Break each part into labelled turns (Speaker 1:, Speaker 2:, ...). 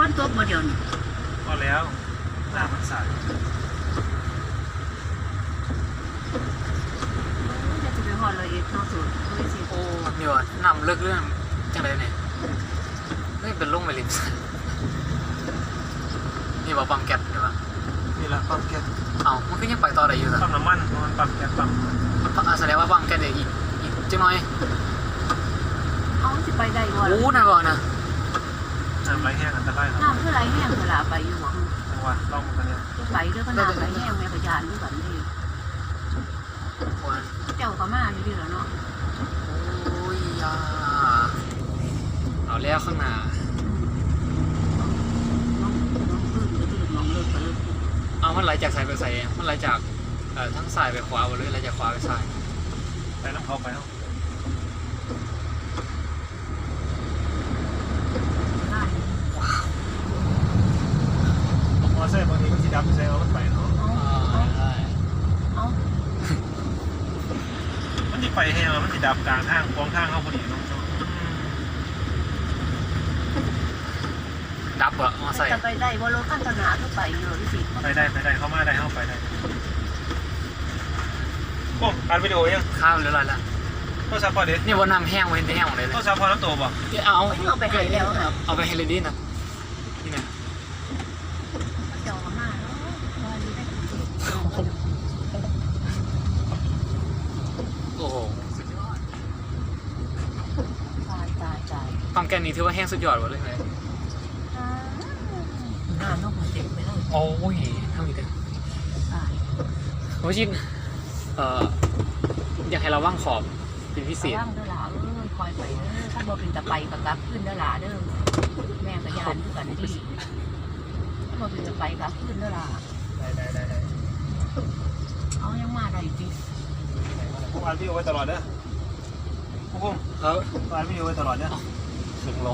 Speaker 1: นตกมาเดียวนี่
Speaker 2: พอแล้วน้ำมันใส
Speaker 1: จะไปหอดเลยอีกนอกสุดด้วยสิ
Speaker 3: โอ้นี่วะนำเลิกเรื่องจังไรเนี่ยไม่เป็นลุงไปริมนี่ว่าปั๊มแก๊สเดี๋ยววะ
Speaker 2: นี่แหละปั๊มแก๊ส
Speaker 3: เอามันก็ยังไปต่อได้อยู่
Speaker 2: ปั๊มน้ำมันมันปั๊มแก๊สปั๊ม
Speaker 3: แสดงว่าปั๊มแก๊สเดี๋ยวอีกจังหน่อย
Speaker 1: เอาจะไปได้ก่อน
Speaker 3: โอ้น่าก่อนนะ
Speaker 2: น้ำไหลแห้งอันตราย
Speaker 1: น้ำเท่าไรแห้งเวลาไปอยู่หวัง
Speaker 2: จังหวะลองกันเนี่ย
Speaker 1: ไปด้วยก็น้ำไหลแห้งแม่พยานด้วยกันดิเจ้าก็มาอยู่ดีแล้วเนาะ
Speaker 3: โอ้ยเอาแล้วข้างหน้าเอามันไหลจากซ้ายไปซ้ายมันไหลจากทั้งซ้ายไปขวาหรือไหลจากขวาไปซ้าย
Speaker 2: ไปน้ำเขาไปเนาะมอเตอร์บางทีก็สีดำใส่เอามันไปเนาะมันจะไปแห้งมันจะดับกลางทางกองทางเขาพอดีเนาะ
Speaker 3: ดับเหรอมอเตอร์
Speaker 1: จะไปได้ว่ารถขั้นตนาก็ไปอยู่ที่สิ
Speaker 2: ไปได้เข้ามาได้เข้าไปได้โอ้อัดวิดีโอยัง
Speaker 3: ข้ามหรืออะไรล่ะ
Speaker 2: ก็ซัพพอร์ตดิ
Speaker 3: นี่ว่าน้ำแห้งไว้แห้งเลย
Speaker 2: ก็ซัพพอร์ตน้ำตัวบ่
Speaker 1: เอาไปให้แล้วครับ
Speaker 3: เอาไปให้เลยดินะนี่นะ
Speaker 1: เจ้ามา
Speaker 3: โอ้โหสุดยอด
Speaker 1: ตาย
Speaker 3: ปั๊มแก๊สนี้ถือว่าแห้งสุดยอดเลยไหม
Speaker 1: น้ำนกเต็มไปเลย
Speaker 3: โอ้ยทำอีกแล้วโอ้ชินอยากให้เราว่างขอบเป็นพิเศษ
Speaker 1: ว่างเด้อหล่าคอยไปเด้อถ้าบ่เป็นตะไปกับกลับขึ้นเด้อหล่าเด้อแม่กับยานด้วยกันที่ถ้าบ่เป็นตะไปกับขึ้นเด้อหล่า
Speaker 2: ได้
Speaker 1: เอายังมาได้จริง
Speaker 2: ผมอ่านวิดีโอไว้ตลอดเด้อผมอ่านวิดีโอไว้ตลอดเนี่ย
Speaker 3: ถึงรอ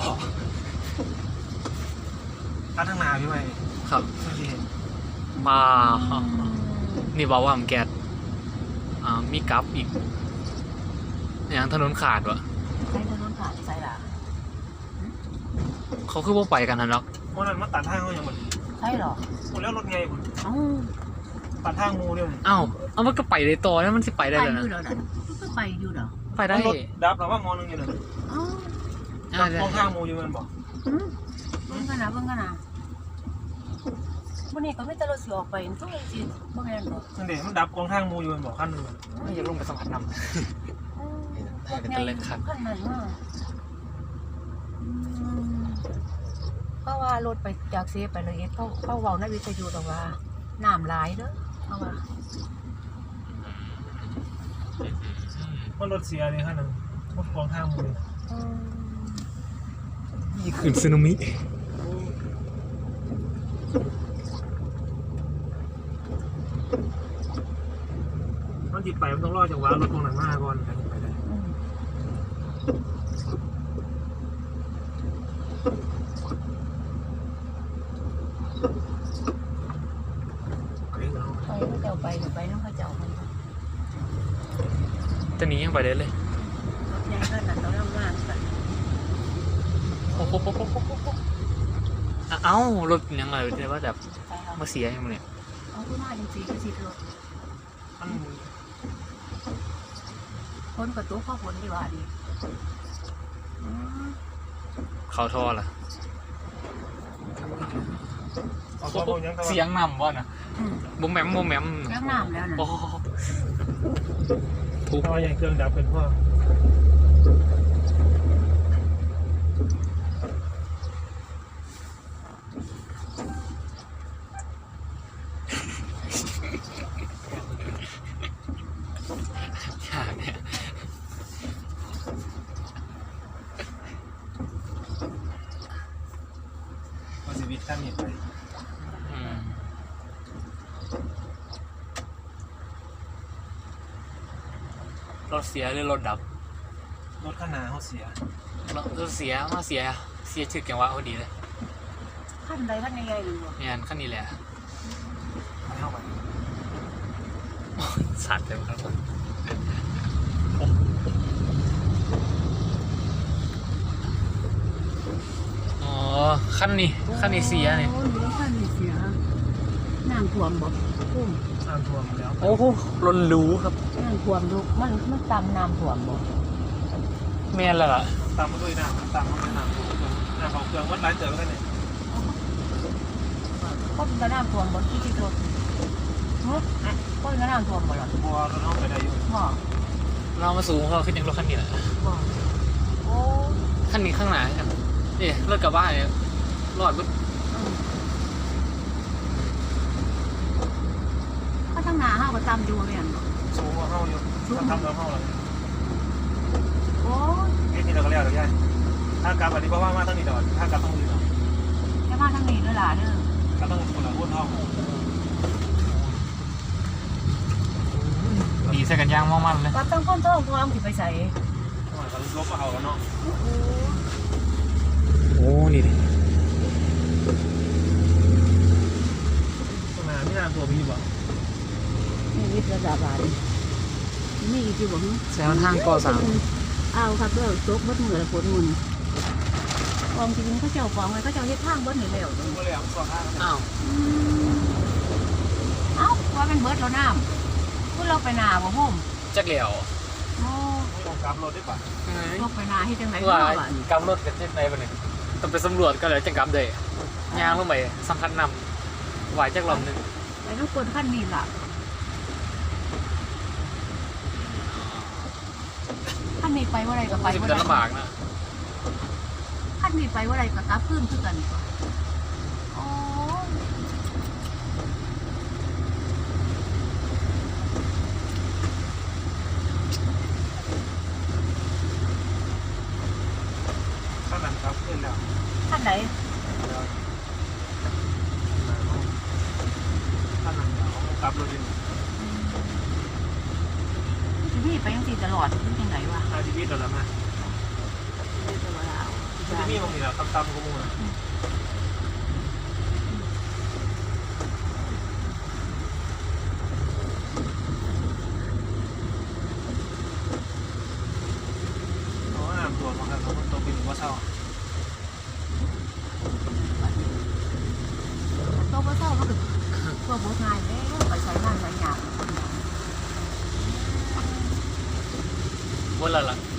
Speaker 2: อันทั้งนาพี่ไหม
Speaker 3: ครับมานี่บอกว่าผมแก๊สมีกราฟอีกอย่างถนนขาดวะ
Speaker 1: ใช่ถนนขาดใช่ล่ะ
Speaker 3: เขาคือว่าไปกันนะเนาะ
Speaker 2: วันนั้นมาตัดทางเขาอย่างหมด
Speaker 1: ใช่หรอ
Speaker 2: หมดแล้วรถไงผมตัดทางงูเนี่ย
Speaker 3: เอามันก็ไปได้ต่อแล้วมันจะไปได้เลยนะ
Speaker 1: ก็ไปอยู่เหรอ
Speaker 3: ไปได้
Speaker 2: ดับหรือว่ามองนึงอยู่เลยมองทางงูอยู่มันบอก
Speaker 1: เบิ่งกันนะวันนี้ก็ไม่ตลอดสิออกไปทุกอย่างสิบ่แม่นบ่
Speaker 2: นั่นเด็กมันดับกองทางงูอยู่มันบอกขั้นนึง
Speaker 3: ไม่อยากลงไปสัมผัสนำ
Speaker 1: เป็นตัวเล็กขั้นนั้นมากเพราะว่ารถไปจากเซฟไปเลยเขาเว้าในวิทยุตรงว่าน้ำหลายเด้อเพราะว่า
Speaker 2: มันรถเสียเลยขั้นนึงรถกองทางงู
Speaker 3: นี่คือสึนามิ
Speaker 2: มันจิตไปมันต้องรอจังหวะรถตรงหนังหน้าก่อนไปได้
Speaker 1: ไปเจ้าไปน้องเขาเจ้า
Speaker 3: ตอนนี้ยังไปได้เลย
Speaker 1: รถใหญ่ก็หนักต้องร่างมากกัน
Speaker 3: เอ้ารถยังไงแต่ว่าแบบมาเสียยังไงเนี่ย
Speaker 1: เอาขึ้นมาจริงๆก็สิรถคนประตูเข้าฝนดีกว่าดี
Speaker 3: เขาท่อล่ะเสียงนำบ่นะบุ้มแหมม
Speaker 1: เสียงนำแล้วนะ
Speaker 2: ทุกท่อยังเครื่องดับเป็นพ่อชีวิตท่านมีไป
Speaker 3: รถเสียหรือรถดับ
Speaker 2: รถข้างหน้าเขาเสีย
Speaker 3: รถเสียมาเสียถึกอย่างว่าพอดีเลย
Speaker 1: ขั้นใดขั้นใหญ่หรือ
Speaker 3: เนี่ยขั้นนี้แหละ
Speaker 2: เข้าไป
Speaker 3: สัตว์เลยครับขั้นนี้เสียนี่
Speaker 1: โอ้ยขั้นนี้เสียน้ำท่วมบ่พุ่ม
Speaker 2: น้ำท่วมแล้ว
Speaker 3: โอ้โหล้นรู้ครับ
Speaker 1: น้ำท่วมลูกมันตำน้ำท่วมบ่
Speaker 3: แม่นแล้วล่ะ
Speaker 2: ตามมาด้วยน้ำตามมาด้วยน้ำท่วมน้ำของเครื่องวัดร้านเจอกันเนี่ย
Speaker 1: ก็เป็นน้ำท่วมบ่ที่รถก็เป็นน้ำท่วมบ่ล่ะ
Speaker 2: บัวเราต้องไปได้อยู่
Speaker 1: บ่
Speaker 3: เรามาสูงเขาขึ้นยังรถคันนี้แหละ
Speaker 1: บ่โอ้
Speaker 3: คันนี้ข้างหน้าครับนี่รถกระบะเนี่ยรอดบึ้ด
Speaker 1: ก็ทั้งหน้าเฮาก็ตำอยู่แม่นบ่
Speaker 2: สูงกว่าเฮาอยู่ทำเราเฮาเลย
Speaker 1: โอ้ย
Speaker 2: นี่เราก็เรียกเราใหญ่ถ้ากลับอันนี้เพราะว่ามาตั้งนี่ดอกถ้ากลับต้องมือเนาะ
Speaker 1: จะมาทางนี้เด้อล่ะเด้อ
Speaker 2: ก็ต้องคนละวนห้อง
Speaker 3: ดีใส่กันยางมองมันเลย
Speaker 1: ก็ต้องก้นท้องทองสิไปใส่
Speaker 2: เขาลบมาเอาแล้วเนาะ
Speaker 3: โอ้นี่ดิ
Speaker 2: ตรงนั้นไม่น่าตัวมีบ่
Speaker 1: นี่วิทย์ระดับบาดมีอีกอยู่บ่ฮึ
Speaker 3: แซวทางก่อสร้าง
Speaker 1: เอาครับเด้อตกเบิดมือแล้วฝนมุนกองจริงเขาเจ้าของไว้เขาเจ้าเฮ็ดทางเบิดนี่แล้ว
Speaker 2: ก็เลยเอาสองห้าง
Speaker 3: อ้าว
Speaker 1: เอ้าว่าเป็นเบิดแล้วน้ำพูดเราไปนาบ่โฮม
Speaker 3: จักเหลียว
Speaker 1: โอ้
Speaker 2: ต้องกลับรถได้ป่ะ
Speaker 1: ลกไปนาเฮ็ดจังได๋
Speaker 3: ว่า
Speaker 1: เนาะบัดนี้
Speaker 3: กำรถกันที่ไหนบ้างเนี่ยต้องไปสำรวจกันเลยจังกำเลยยางลงไปสำคัญนำไหวจักลำหนึ่ง
Speaker 1: ไปทุกคนคันนี้ล่ะคันนี้ไปว่าไรก็ไป
Speaker 3: จะ
Speaker 1: ว่า
Speaker 3: เป็น
Speaker 1: ไร
Speaker 3: ลำบากนะ
Speaker 1: คันนี้ไปว่าไรก็กลับขึ้นคือกันโอ้ย
Speaker 2: ข้างนั้นครับขึ้นแล้ว
Speaker 1: คันไหน
Speaker 2: ข้างนั้นกลับรถดิ
Speaker 1: พี่ไปยังสิตลอดเป็นจังไดวะ
Speaker 2: อาชีวิตเราแล้วนะ
Speaker 1: ไม่ตัวเรา
Speaker 2: จะมีบางทีเราตำกูมูนะอ๋อน้ำตัวมันครับมันตัวเป็นว่าเศร้า
Speaker 1: โตบ่เศร้ามันก็พวกบ่ทายแล้วไปใช้งานหลายอย่าง
Speaker 3: บนละล่ะ